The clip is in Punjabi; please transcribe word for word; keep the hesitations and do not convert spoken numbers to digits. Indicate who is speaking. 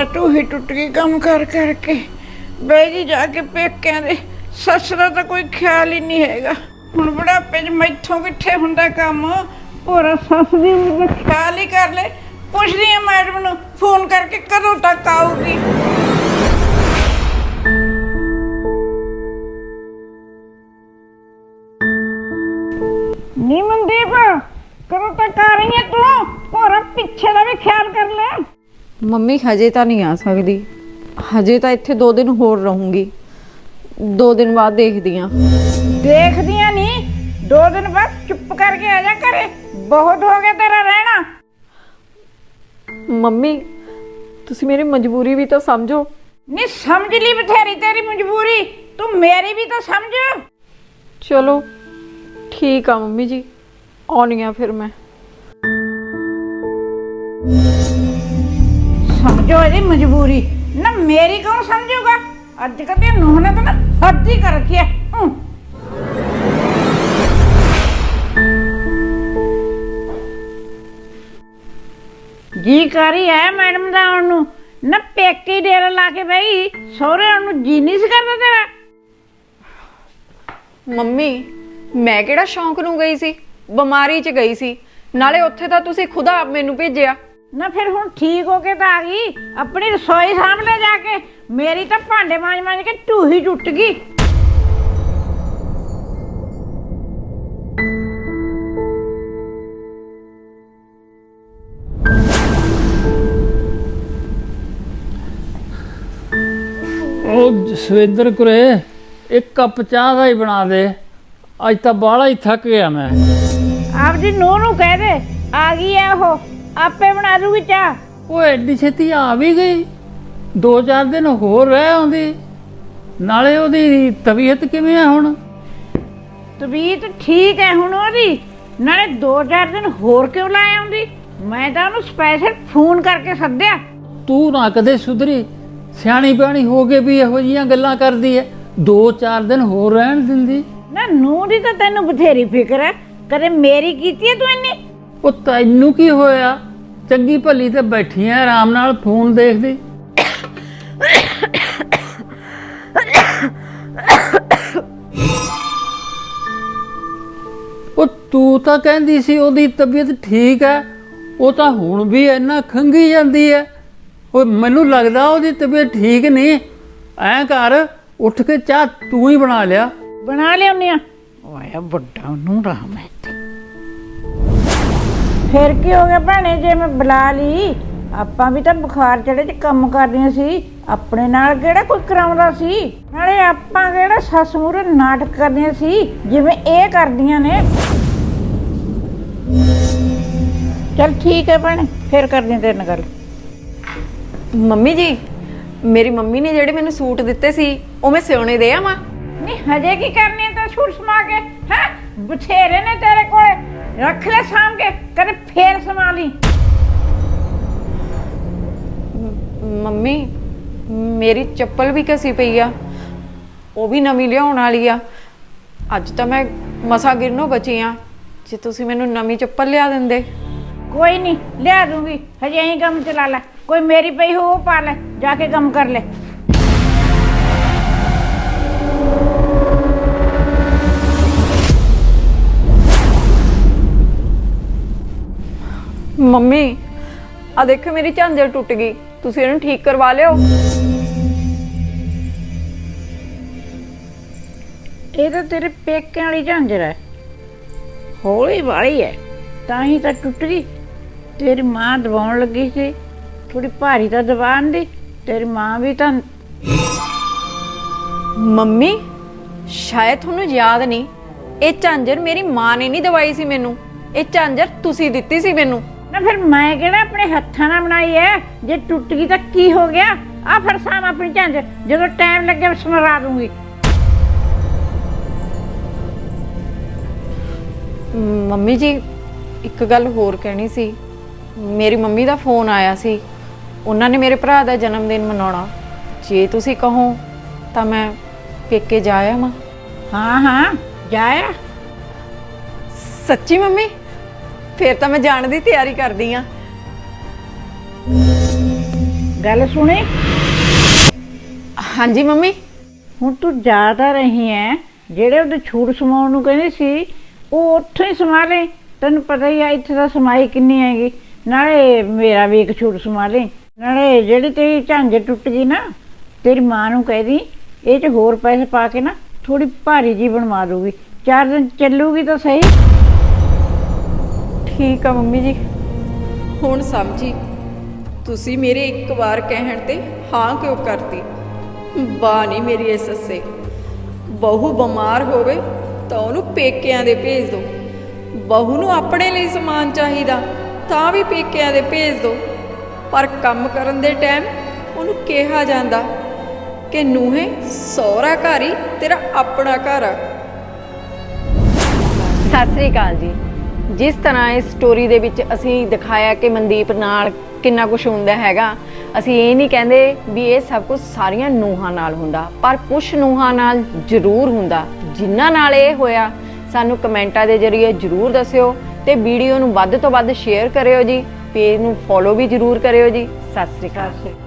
Speaker 1: ਤਾਂ ਢੂਹੀ ਟੁੱਟ ਗਈ ਕੰਮ ਕਰ ਕਰਕੇ। ਬੈਗੀ ਜਾ ਕੇ ਪੇਕਿਆਂ ਦੇ। ਸੱਸ ਦਾ ਤਾਂ ਕੋਈ ਖਿਆਲ ਹੀ ਨਹੀਂ ਹੈਗਾ। ਹੁਣ ਬੁਢਾਪੇ 'ਚ ਮੈਥੋਂ ਕਿੱਥੇ ਹੁੰਦਾ ਕੰਮ। ਹੋਰ ਸੱਸ ਦੀ ਵੀ ਖਿਆਲ ਹੀ ਕਰ ਲੈ। ਪੁੱਛਦੀ ਆ ਮੈਡਮ ਨੂੰ ਫੋਨ ਕਰਕੇ ਕਦੋਂ ਤੱਕ ਆਊਗੀ। ਨੀ ਮਨਦੀਪ, ਕਦੋਂ ਤੱਕ ਆ ਰਹੀ ਹੈ ਤੂੰ? ਹੋਰ ਪਿੱਛੇ ਦਾ ਵੀ ਖਿਆਲ ਕਰ ਲੈ।
Speaker 2: ਮੰਮੀ ਹਜੇ ਤਾਂ ਨਹੀਂ ਆ ਸਕਦੀ। ਹਜੇ ਤਾਂ ਇੱਥੇ ਦੋ ਦਿਨ ਹੋਰ ਰਹੂੰਗੀ। ਦੋ ਦਿਨ ਬਾਅਦ ਦੇਖਦੀ ਆਂ।
Speaker 1: ਦੇਖਦੀਆਂ ਨਹੀਂ, ਦੋ ਦਿਨ ਬਾਅਦ ਚੁੱਪ ਕਰਕੇ ਆ ਜਾ ਘਰੇ। ਬਹੁਤ ਹੋ ਗਿਆ ਤੇਰਾ ਰਹਿਣਾ।
Speaker 2: ਮੰਮੀ ਤੁਸੀਂ ਮੇਰੀ ਮਜਬੂਰੀ ਵੀ ਤਾਂ ਸਮਝੋ।
Speaker 1: ਨਹੀਂ ਸਮਝ ਲਈ ਬਥੇਰੀ ਤੇਰੀ ਮਜਬੂਰੀ, ਤੂੰ ਮੇਰੀ ਵੀ ਤਾਂ ਸਮਝ।
Speaker 2: ਚਲੋ ਠੀਕ ਆ ਮੰਮੀ ਜੀ, ਆਉਣੀ ਆ ਫਿਰ ਮੈਂ।
Speaker 1: ਸਮਝੋ ਇਹਦੀ ਮਜਬੂਰੀ ਨਾ, ਮੇਰੀ ਕੌਣ ਸਮਝੂਗਾ। ਅੱਜ ਕੱਲ੍ਹ ਦੀ ਨੂੰਹ ਨੇ ਤਾਂ ਨਾ ਹੱਦ ਹੀ ਕਰ ਰੱਖੀ ਹੈ। ਜੀ ਕਰੀ ਹੈ ਮੈਡਮ ਦਾ ਆਉਣ ਨੂੰ ਨਾ। ਪੇਕੇ ਡੇਰਾ ਲਾ ਕੇ ਬਈ ਸਹੁਰੇ ਆਉਣ ਨੂੰ ਜੀ ਨਹੀਂ ਸੀ ਕਰਦਾ ਤੇਰਾ।
Speaker 2: ਮੰਮੀ ਮੈਂ ਕਿਹੜਾ ਸ਼ੌਂਕ ਨੂੰ ਗਈ ਸੀ, ਬਿਮਾਰੀ 'ਚ ਗਈ ਸੀ। ਨਾਲੇ ਉੱਥੇ ਤਾਂ ਤੁਸੀਂ ਖੁਦ ਆਪ ਮੈਨੂੰ ਭੇਜਿਆ
Speaker 1: ਨਾ। ਫਿਰ ਹੁਣ ਠੀਕ ਹੋ ਕੇ ਤਾਂ ਆ ਗਈ। ਆਪਣੀ ਰਸੋਈ ਸਾਹਮਣੇ ਜਾ ਕੇ ਮੇਰੀ ਤਾਂ ਭਾਂਡੇ ਮਾਂਜ ਮਾਂਜ ਕੇ ਢੂਹੀ ਟੁੱਟ ਗਈ।
Speaker 3: ਉਹ ਜਸਵਿੰਦਰ ਕੁਰੇ ਇੱਕ ਕੱਪ ਚਾਹ ਦਾ ਹੀ ਬਣਾ ਦੇ। ਅੱਜ ਤਾਂ ਬਾਹਲਾ ਹੀ ਥੱਕ ਗਿਆ ਮੈਂ।
Speaker 1: ਆਪਦੀ ਨੂੰਹ ਨੂੰ ਕਹਿ ਦੇ ਆ ਗਈ ਹੈ ਉਹ, ਆਪੇ ਬਣਾ ਦੂਗੀ ਚਾਹ।
Speaker 3: ਉਹ ਐਡੀ ਛੇਤੀ ਆ ਵੀ ਗਈ? ਦੋ ਚਾਰ ਦਿਨ ਹੋਰ ਰਹਿ ਆਉਂਦੀ। ਨਾਲੇ ਉਹਦੀ ਤਬੀਅਤ ਕਿਵੇਂ ਆ ਹੁਣ?
Speaker 1: ਤਬੀਅਤ ਠੀਕ ਹੈ ਹੁਣ ਉਹਦੀ। ਨਾਲੇ ਦੋ ਚਾਰ ਦਿਨ ਹੋਰ ਕਿਉਂ ਲਾ ਆਉਂਦੀ? ਮੈਂ ਤਾਂ ਉਹਨੂੰ ਸਪੈਸ਼ਲ ਫੋਨ ਕਰਕੇ ਸੱਦਿਆ।
Speaker 3: ਤੂੰ ਨਾ ਕਦੇ ਸੁਧਰੀ, ਸਿਆਣੀ ਬਿਆਣੀ ਹੋ ਕੇ ਵੀ ਇਹੋ ਜਿਹੀਆਂ ਗੱਲਾਂ ਕਰਦੀ ਹੈ। ਦੋ ਚਾਰ ਦਿਨ ਹੋਰ ਰਹਿਣ ਦਿੰਦੀ।
Speaker 1: ਨਾ ਨੂੰਹ ਦੀ ਤਾਂ ਤੈਨੂੰ ਬਥੇਰੀ ਫਿਕਰ ਹੈ, ਕਦੇ ਮੇਰੀ ਕੀਤੀ ਹੈ ਤੂੰ ਇੰਨੀ?
Speaker 3: ਉਹ ਤੈਨੂੰ ਕੀ ਹੋਇਆ? ਚੰਗੀ ਭਲੀ ਤੇ ਬੈਠੀ ਐ ਆਰਾਮ ਨਾਲ ਫੋਨ ਦੇਖਦੀ। ਉਹ ਤੂੰ ਤਾਂ ਕਹਿੰਦੀ ਸੀ ਉਹਦੀ ਤਬੀਅਤ ਠੀਕ ਹੈ, ਉਹ ਤਾਂ ਹੁਣ ਵੀ ਇੰਨਾ ਖੰਗੀ ਜਾਂਦੀ ਹੈ। ਉਹ ਮੈਨੂੰ ਲੱਗਦਾ ਉਹਦੀ ਤਬੀਅਤ ਠੀਕ ਨਹੀਂ। ਐਂ ਕਰ, ਉੱਠ ਕੇ ਚਾਹ ਤੂੰ ਹੀ ਬਣਾ ਲਿਆ।
Speaker 1: ਬਣਾ ਲਿਆਉਂਦੀ ਆ। ਓਏ ਵੱਡਾ ਉਹਨੂੰ ਰਾਮ ਹੈ। ਫਿਰ ਕੀ ਹੋ ਗਿਆ ਭੈਣੇ ਜੇ ਮੈਂ ਬੁਲਾ ਲਈ? ਆਪਾਂ ਵੀ ਤਾਂ ਬੁਖਾਰ ਚੜੇ 'ਚ ਕੰਮ ਕਰਦੀਆਂ ਸੀ। ਆਪਣੇ ਨਾਲ ਕਿਹੜਾ ਕੋਈ ਕਰਾਉਂਦਾ ਸੀ? ਨਾਲੇ ਆਪਾਂ ਕਿਹੜਾ ਸੱਸ ਮੂਹਰੇ ਨਾਟਕ ਕਰਦੀਆਂ ਸੀ ਜਿਵੇਂ ਇਹ ਕਰਦੀਆਂ ਨੇ। ਚਲ ਠੀਕ ਹੈ ਭੈਣੇ, ਫਿਰ ਕਰਦੀਆਂ ਤੇਰੇ ਨਾਲ ਗੱਲ।
Speaker 2: ਮੰਮੀ ਜੀ ਮੇਰੀ ਮੰਮੀ ਨੇ ਜਿਹੜੇ ਮੈਨੂੰ ਸੂਟ ਦਿੱਤੇ ਸੀ ਉਹ ਮੈਂ ਸਿਉਣੇ ਦੇ ਆਵਾਂ?
Speaker 1: ਨਹੀਂ ਹਜੇ ਕੀ ਕਰਨੀ ਹੈ ਤਾਂ ਸੂਟ ਸਮਾ ਕੇ? ਹੈ ਬਥੇਰੇ ਨੇ ਤੇਰੇ ਕੋਲ, ਰੱਖ ਲੈ ਸਾਂਭ ਕੇ, ਕਦੇ ਫੇਰ ਸਮਾ ਲਈ।
Speaker 2: ਮੰਮੀ ਮੇਰੀ ਚੱਪਲ ਵੀ ਘਸੀ ਪਈ ਆ, ਉਹ ਵੀ ਨਵੀਂ ਲਿਆਉਣ ਵਾਲੀ ਆ। ਅੱਜ ਤਾਂ ਮੈਂ ਮਸਾ ਗਿਰਨੋਂ ਬਚੀ ਆ। ਜੇ ਤੁਸੀਂ ਮੈਨੂੰ ਨਵੀਂ ਚੱਪਲ ਲਿਆ ਦਿੰਦੇ।
Speaker 1: ਕੋਈ ਨਹੀਂ ਲਿਆ ਦੂੰਗੀ, ਹਜੇ ਐਂ ਕੰਮ ਚਲਾ ਲੈ। ਕੋਈ ਮੇਰੀ ਪਈ ਹੋ ਉਹ ਪਾ ਲੈ, ਜਾ ਕੇ ਕੰਮ ਕਰ ਲੈ।
Speaker 2: ਮੰਮੀ ਆ ਦੇਖੋ ਮੇਰੀ ਝਾਂਜਰ ਟੁੱਟ ਗਈ, ਤੁਸੀਂ ਇਹਨੂੰ ਠੀਕ ਕਰਵਾ ਲਿਓ।
Speaker 1: ਇਹ ਤਾਂ ਤੇਰੇ ਪੇਕਿਆਂ ਵਾਲੀ ਝਾਂਜਰ ਹੈ, ਹੌਲੀ ਵਾਲੀ ਹੈ ਤਾਂ ਹੀ ਤਾਂ ਟੁੱਟ ਗਈ। ਤੇਰੀ ਮਾਂ ਦਬਾਉਣ ਲੱਗੀ ਸੀ, ਥੋੜੀ ਭਾਰੀ ਤਾਂ ਦਬਾਉਣ ਦੀ। ਤੇਰੀ ਮਾਂ ਵੀ ਤਾਂ।
Speaker 2: ਮੰਮੀ ਸ਼ਾਇਦ ਤੁਹਾਨੂੰ ਯਾਦ ਨਹੀਂ, ਇਹ ਝਾਂਜਰ ਮੇਰੀ ਮਾਂ ਨੇ ਨਹੀਂ ਦਵਾਈ ਸੀ ਮੈਨੂੰ, ਇਹ ਝਾਂਜਰ ਤੁਸੀਂ ਦਿੱਤੀ ਸੀ ਮੈਨੂੰ।
Speaker 1: ਨਾ ਫਿਰ ਮੈਂ ਕਿਹੜਾ ਆਪਣੇ ਹੱਥਾਂ ਨਾਲ ਬਣਾਈ ਹੈ? ਜੇ ਟੁੱਟ ਗਈ ਤਾਂ ਕੀ ਹੋ ਗਿਆ? ਆ ਫਿਰ ਸਾਮ ਆਪਣੀ ਝਾਂਜਰ, ਜਦੋਂ ਟਾਈਮ ਲੱਗੇ ਸਮਰਾ ਦੂੰਗੀ।
Speaker 2: ਮੰਮੀ ਜੀ ਇੱਕ ਗੱਲ ਹੋਰ ਕਹਿਣੀ ਸੀ। ਮੇਰੀ ਮੰਮੀ ਦਾ ਫੋਨ ਆਇਆ ਸੀ, ਉਹਨਾਂ ਨੇ ਮੇਰੇ ਭਰਾ ਦਾ ਜਨਮ ਦਿਨ ਮਨਾਉਣਾ। ਜੇ ਤੁਸੀਂ ਕਹੋ ਤਾਂ ਮੈਂ ਪੇਕੇ ਜਾ ਆਵਾਂ।
Speaker 1: ਹਾਂ ਹਾਂ ਜਾ ਆ।
Speaker 2: ਸੱਚੀ ਮੰਮੀ? ਫਿਰ ਤਾਂ ਮੈਂ ਜਾਣ ਦੀ ਤਿਆਰੀ ਕਰਦੀ ਆ।
Speaker 1: ਗੱਲ ਸੁਣੀ,
Speaker 2: ਹਾਂਜੀ ਮੰਮੀ।
Speaker 1: ਹੁਣ ਤੂੰ ਜਾ ਤਾਂ ਰਹੀ ਐ, ਜਿਹੜੇ ਉਹਦੇ ਛੂਟ ਸਮਾਉਣ ਨੂੰ ਕਹਿੰਦੇ ਸੀ ਉਹ ਉੱਥੋਂ ਹੀ ਸਮਾ ਲੈ। ਤੈਨੂੰ ਪਤਾ ਹੀ ਆ ਇੱਥੇ ਤਾਂ ਸਮਾਈ ਕਿੰਨੀ ਹੈਗੀ। ਨਾਲੇ ਮੇਰਾ ਵੀ ਇੱਕ ਛੂਟ ਸਮਾ ਲੈ, ਨਾਲੇ ਜਿਹੜੀ ਤੇਰੀ ਝਾਂਜਰ ਟੁੱਟ ਗਈ ਨਾ, ਤੇਰੀ ਮਾਂ ਨੂੰ ਕਹਿ ਦੀ ਇਹ 'ਚ ਹੋਰ ਪੈਸੇ ਪਾ ਕੇ ਨਾ ਥੋੜੀ ਭਾਰੀ ਜੀ ਬਣਵਾ ਦੂਗੀ, ਚਾਰ ਦਿਨ ਚੱਲੂਗੀ ਤਾਂ ਸਹੀ।
Speaker 2: ਠੀਕ ਆ ਮੰਮੀ ਜੀ, ਹੁਣ ਸਮਝੀ ਤੁਸੀਂ ਮੇਰੇ ਇੱਕ ਵਾਰ ਕਹਿਣ ਤੇ ਹਾਂ ਕਿਉਂ ਕਰਤੀ। ਬਾ ਨਹੀਂ ਮੇਰੀ ਇਹ ਸੱਸੇ, ਬਹੂ ਬਿਮਾਰ ਹੋਵੇ ਤਾਂ ਉਹਨੂੰ ਪੇਕਿਆਂ ਦੇ ਭੇਜ ਦਿਓ, ਬਹੂ ਨੂੰ ਆਪਣੇ ਲਈ ਸਮਾਨ ਚਾਹੀਦਾ ਤਾਂ ਵੀ ਪੇਕਿਆਂ ਦੇ ਭੇਜ ਦਿਓ, ਪਰ ਕੰਮ ਕਰਨ ਦੇ ਟਾਈਮ ਉਹਨੂੰ ਕਿਹਾ ਜਾਂਦਾ ਕਿ ਨੂੰਹੇ ਸਹੁਰਾ ਘਰ ਹੀ ਤੇਰਾ ਆਪਣਾ ਘਰ ਆ। ਸਤਿ ਸ੍ਰੀ ਅਕਾਲ ਜੀ। ਜਿਸ ਤਰ੍ਹਾਂ ਇਸ ਸਟੋਰੀ ਦੇ ਵਿੱਚ ਅਸੀਂ ਦਿਖਾਇਆ ਕਿ ਮਨਦੀਪ ਨਾਲ ਕਿੰਨਾ ਕੁਝ ਹੁੰਦਾ ਹੈਗਾ, ਅਸੀਂ ਇਹ ਨਹੀਂ ਕਹਿੰਦੇ ਵੀ ਇਹ ਸਭ ਕੁਝ ਸਾਰੀਆਂ ਨੂੰਹਾਂ ਨਾਲ ਹੁੰਦਾ, ਪਰ ਕੁਝ ਨੂੰਹਾਂ ਨਾਲ ਜ਼ਰੂਰ ਹੁੰਦਾ। ਜਿਨ੍ਹਾਂ ਨਾਲ ਇਹ ਹੋਇਆ ਸਾਨੂੰ ਕਮੈਂਟਾਂ ਦੇ ਜ਼ਰੀਏ ਜ਼ਰੂਰ ਦੱਸਿਓ ਤੇ ਵੀਡੀਓ ਨੂੰ ਵੱਧ ਤੋਂ ਵੱਧ ਸ਼ੇਅਰ ਕਰਿਓ ਜੀ, ਪੇਜ ਨੂੰ ਫੋਲੋ ਵੀ ਜ਼ਰੂਰ ਕਰਿਓ ਜੀ। ਸਤਿ ਸ੍ਰੀ ਅਕਾਲ।